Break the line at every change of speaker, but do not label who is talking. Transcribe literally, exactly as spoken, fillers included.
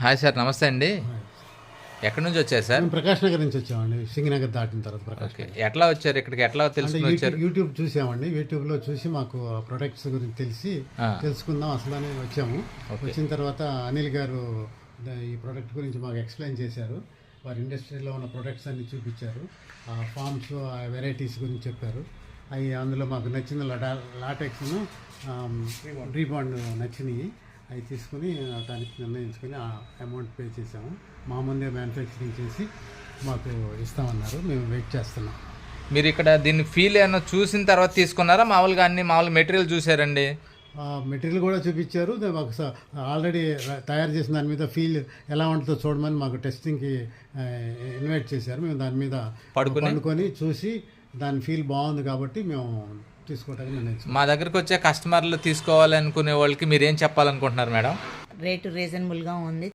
Hi sir, నమస్తే అండి. ఎక్కడి నుంచి వచ్చారు సార్?
మేము ప్రకాష్ నగర్ నుంచి వచ్చామండి. సింగనగర్ దాటిన తర్వాత ప్రకాష్
ఓకే.
నగర్.
ఎట్లా వచ్చారు ఇక్కడికి? ఎట్లా
అంటే
తెలుసుకుని
యూట్యూబ్
వచ్చారు?
యూట్యూబ్ చూసామండి. యూట్యూబ్లో చూసి మాకు ప్రొడక్ట్స్ గురించి తెలిసి
ఆ.
తెలుసుకుందాం అసలు అని వచ్చాము.
ఓకే.
వచ్చిన తర్వాత అనిల్ గారు ద- ఈ ప్రోడక్ట్ గురించి మాకు ఎక్స్ప్లెయిన్ చేశారు. వారి ఇండస్ట్రీలో ఉన్న ప్రొడక్ట్స్ అన్ని చూపించారు. ఆ ఫార్మ్స్, ఆ వెరైటీస్ గురించి చెప్పారు. అవి అందులో మాకు నచ్చిన లడా లాటెక్స్ను రీబాండ్ నచ్చినాయి. అవి తీసుకుని దానికి నిర్ణయించుకొని ఆ అమౌంట్ పే చేసాము. మా ముందే మ్యానుఫ్యాక్చరింగ్ చేసి మాకు ఇస్తామన్నారు. మేము వెయిట్ చేస్తున్నాం.
మీరు ఇక్కడ దీన్ని ఫీల్ ఏమన్నా చూసిన తర్వాత తీసుకున్నారా? మామూలుగా అన్ని మామూలు మెటీరియల్ చూసారండి?
మెటీరియల్ కూడా చూపించారు. దా- మాకు స- ఆల్రెడీ ర- తయారు చేసిన దాని మీద ఫీల్ ఎలా ఉంటుందో చూడమని మాకు టెస్టింగ్కి ఆ, ఇన్వైట్ చేశారు. మేము దాని మీద
పడుకుని?
పండుకొని చూసి దాని ఫీల్ బాగుంది కాబట్టి మేము తీసుకోవడానికి నిర్ణయించాం.
మా దగ్గరికి వచ్చే కస్టమర్లు తీసుకోవాలనుకునే వాళ్ళకి మీరు ఏం చెప్పాలనుకుంటున్నారు మేడం?
రేటు రీజనబుల్గా ఉంది.